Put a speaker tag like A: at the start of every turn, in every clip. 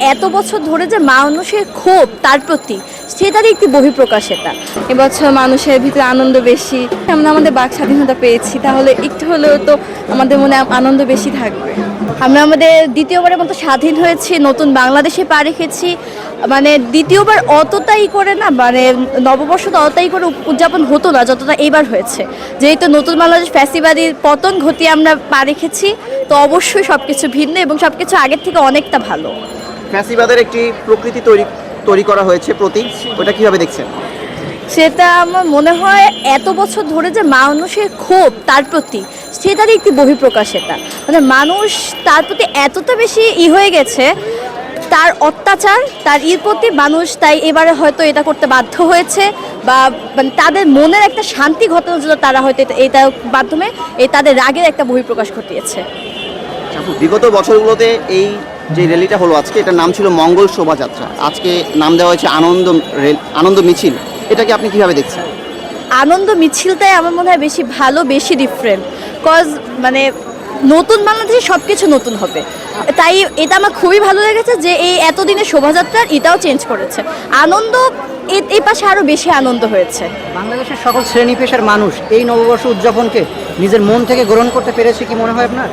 A: এত বছর ধরে যে মানুষের ক্ষোভ তার প্রতি সেটারই একটি বহিঃপ্রকাশ এটা।
B: এবছর মানুষের ভিতরে আনন্দ বেশি, আমরা আমাদের বাক স্বাধীনতা পেয়েছি, তাহলে একটু হলেও তো আমাদের মনে আনন্দ বেশি থাকবে।
A: আমরা আমাদের দ্বিতীয়বারের মতো স্বাধীন হয়েছি, নতুন বাংলাদেশে পা রেখেছি। মানে দ্বিতীয়বার অতটাই করে না, মানে নববর্ষ তো অতটাই করে উদযাপন হতো না যতটা এবার হয়েছে। যেহেতু নতুন বাংলাদেশ ফ্যাসিবাদীর পতন ঘটিয়ে আমরা পা রেখেছি, তো অবশ্যই সব কিছু ভিন্ন এবং সব কিছু আগের থেকে অনেকটা ভালো।
C: ফ্যাসিবাদের একটি প্রকৃতি তৈরি করা হয়েছে প্রতীক, ওটা কিভাবে দেখছেন?
A: সেটা আমার মনে হয় এত বছর ধরে যে মানুষের ক্ষোভ তার প্রতি সেটারই একটি বহিঃপ্রকাশ এটা। মানে মানুষ তার প্রতি এতটা বেশি হয়ে গেছে, তার অত্যাচার তার প্রতি মানুষ তাই এবারে হয়তো এটা করতে বাধ্য হয়েছে, বা মানে তাদের মনের একটা শান্তি ঘটানোর জন্য তারা হয়তো এটার মাধ্যমে তাদের রাগের একটা বহিঃপ্রকাশ ঘটিয়েছে।
C: বিগত বছরগুলোতে এই যে র্যালিটা হলো আজকে, এটার নাম ছিল মঙ্গল শোভাযাত্রা, আজকে নাম দেওয়া হয়েছে আনন্দ মিছিল, এটাকে আপনি কিভাবে দেখছেন?
A: আনন্দ মিছিলটাই আমার মনে হয় বেশি ভালো, বেশি ডিফারেন্ট। কজ মানে নতুন বাংলাদেশে সব কিছু নতুন হবে, তাই এটা আমার খুবই ভালো লেগেছে যে এই এতদিনের শোভাযাত্রার এটাও চেঞ্জ করেছে। আনন্দ এই পাশে আরও বেশি আনন্দ হয়েছে।
D: বাংলাদেশের সকল শ্রেণী পেশার মানুষ এই নববর্ষ উদযাপনকে নিজের মন থেকে গ্রহণ করতে পেরেছে কি মনে হয় আপনার?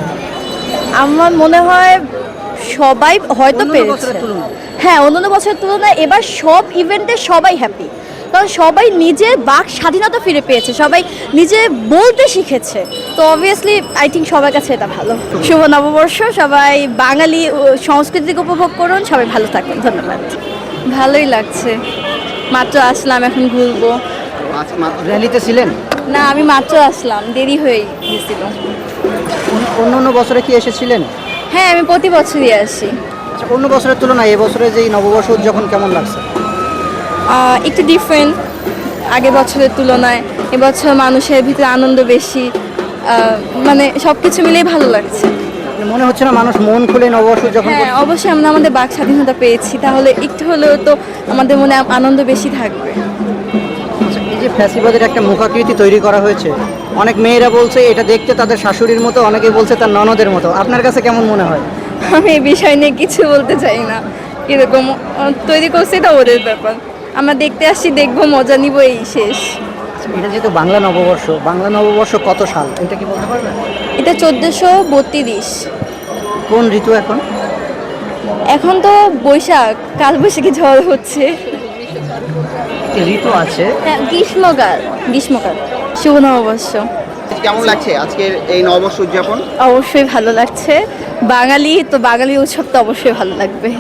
A: আমার মনে হয় সবাই হয়তো
D: অন্যান্য
A: পেরেছে।
D: বছরের তুলনায়?
A: হ্যাঁ, অন্যান্য বছরের তুলনায় এবার সব ইভেন্টে সবাই হ্যাপি, কারণ সবাই নিজের বাক স্বাধীনতা ফিরে পেয়েছে, সবাই নিজে বলতে শিখেছে। তো অবভিয়াসলি আই থিঙ্ক সবার কাছে এটা ভালো। শুভ নববর্ষ, সবাই বাঙালি সংস্কৃতিকে উপভোগ করুন, সবাই ভালো থাকুন, ধন্যবাদ।
B: ভালোই লাগছে, মাত্র আসলাম, এখন ঘুরবো।
D: র্যালিতে ছিলেন?
B: না, আমি মাত্র আসলাম, দেরি হয়ে গেছিল।
D: অন্য বছরে কি এসেছিলেন?
B: হ্যাঁ, আমি প্রতি বছরই আসি।
D: আচ্ছা, অন্য বছরের তুলনায় এবছরে যে এই নববর্ষ উদযাপন কেমন লাগছে?
B: একটু ডিফারেন্ট আগের বছরের তুলনায়। এবছর মানুষের ভিতরে আনন্দ বেশি, মানে সব কিছু মিলেই ভালো লাগছে।
D: মনে হচ্ছে না মানুষ মন খুলে নববর্ষ উদযাপন
B: হ্যাঁ,
D: করছে?
B: অবশ্যই আমরা আমাদের বাক স্বাধীনতা পেয়েছি, তাহলে একটু হলেও তো আমাদের মনে আনন্দ বেশি থাকবে।
D: আচ্ছা, এই যে ফ্যাসিবাদের একটা মুখাকৃতি তৈরি করা হয়েছে, অনেক মেয়েরা বলছে এটা দেখতে তাদের শাশুড়ির মতো, অনেকে বলছে তার ননদের মতো, আপনার কাছে কেমন মনে হয়?
B: আমি এই বিষয় নিয়ে কিছু বলতে চাই না, কীরকম তৈরি করছে এটা ওদের ব্যাপার। আমরা দেখতে আসছি, দেখবো, মজা নিব, এই শেষ।
D: এটা যেহেতু বাংলা নববর্ষ কত সাল এটা কি বলতে পারবেন?
B: এটা 1432।
D: কোন ঋতু এখন?
B: এখন তো বৈশাখ, কাল বৈশাখী ঝড় হচ্ছে।
D: একটি ঋতু আছে।
B: হ্যাঁ, গ্রীষ্মকাল। শুভ নববর্ষ।
C: কেমন লাগছে আজকের এই নববর্ষ উদযাপন?
A: অবশ্যই ভালো লাগছে, বাঙালি তো বাঙালি উৎসব তো অবশ্যই ভালো লাগবে।